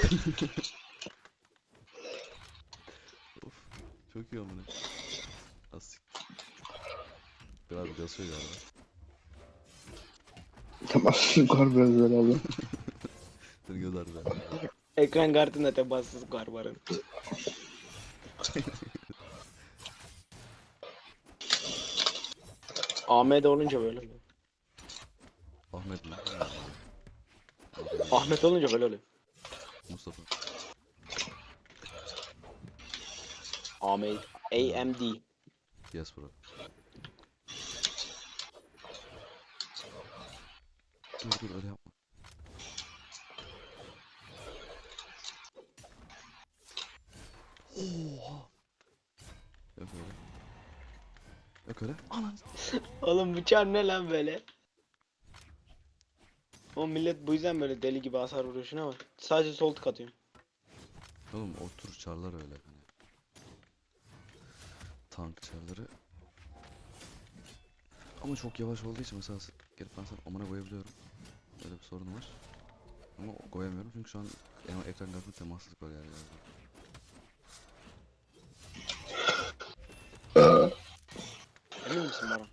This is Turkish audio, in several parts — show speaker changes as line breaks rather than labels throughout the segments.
Of. Çok iyi amına. Asik. Biraz gasıyor galiba.
Tamam. Kar biraz böyle alıyor.
Seni göz ardı.
Ekran kartında temassız var. AMD olunca böyle oluyor.
Ahmet mi?
Ahmet olunca böyle oluyor.
Mustafa.
AMD. AMD.
Yes bro. Dur öyle yapma. Oha. Yok öyle. Yok öyle. Anan.
Oğlum bu çar ne lan böyle? O millet bu yüzden böyle deli gibi hasar vuruyor, şuna bak. Sadece sol tık atıyorum.
Oğlum o tür çarlar öyle hani. Tank çarları. Ama çok yavaş olduğu için mesela gelip ben sana amına koyabiliyorum. Öyle bir sorun var. Ama koyamıyorum çünkü şu an ekran kartında temassızlık var yani.
Emin misin Baran?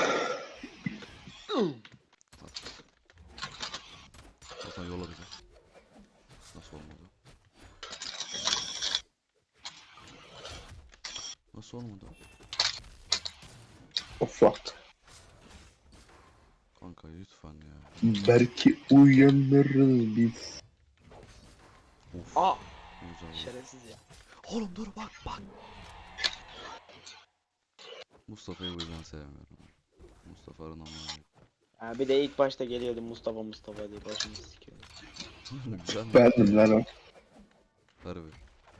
Hasan yolla bize. Nasıl olmadı? Nasıl olmadı?
Offroad.
Kanka lütfen ya.
Belki uyanırız biz.
Of.
Aa!
Güzel.
Şerefsiz ya.
Oğlum dur bak. Mustafa'yı bu yüzden sevmiyorum. Mustafa Arınan
Ha, bir de ilk başta geliyordu Mustafa diye başımı sikiyordu.
güzel mi?
Bendim lan o.
Harbi.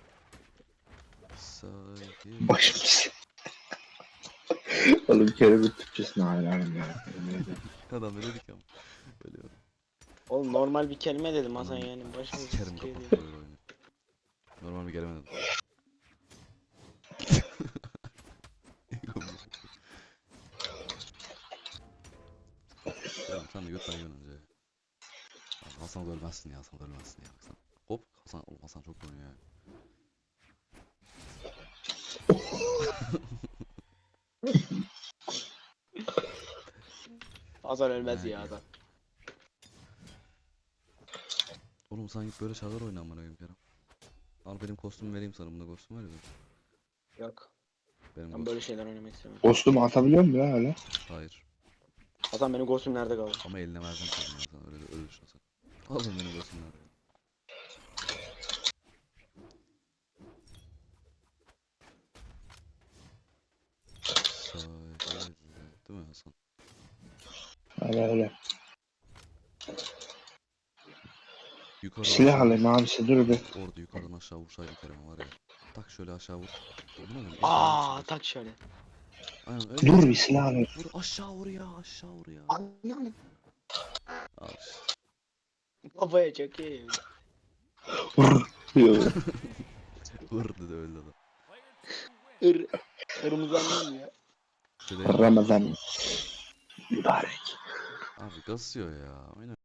Sahi.
Başımız. Oğlum kere bir Türkçesine hayranım ya.
Adam öyle dedik ama. Ölüyorum.
Oğlum normal bir kelime dedim Hasan,
Anam,
yani başımı
sikerim
sikiyor
kapat
diye.
böyle oyunu. Normal bir gelemedim. Oğlum sen de götten yiyorsun önce. Abi Hasan da ölmezsin ya, Hasan da ölmezsin ya. Hasan. Hop Hasan, oğlum Hasan çok oynuyor ya.
Hasan ölmez
Yani.
ya adam.
Oğlum sen git böyle çağlar oyna amına koyayım Kerem. Al benim kostümü vereyim sana, bunda kostüm var ya benim.
Yok.
Benim
Ben
kostüm.
böyle şeyler oynamak istemiyorum.
Kostümü atabiliyor mu ya öyle?
Hayır.
Hasan benim kostüm nerede kaldı?
Ama eline vereceğim senin ya, sen öyle düşün Hasan. Alın benim kostümü nerede? Sahilde. Değil mi Hasan?
Öyle öyle.
Yukarıdan
Silah
aşağı vur.
alayım abisi dur bir.
Orada yukarıdan aşağı vursaydı Kerem var ya. Tak şöyle aşağı vur. Amına koyayım
Aa, tak şöyle.
Aynen öyle
Dur
vur.
bir silah alayım.
Vur aşağı vur ya, aşağı vur ya.
Anam.
Al işte.
Kafaya çok iyi.
Vur diyor.
Vur dedi öyle adam.
Ir. Kırmızı annem ya.
Bir şey değil mi?
Ramazan mübarek.
Abi kasıyor ya. Aynen.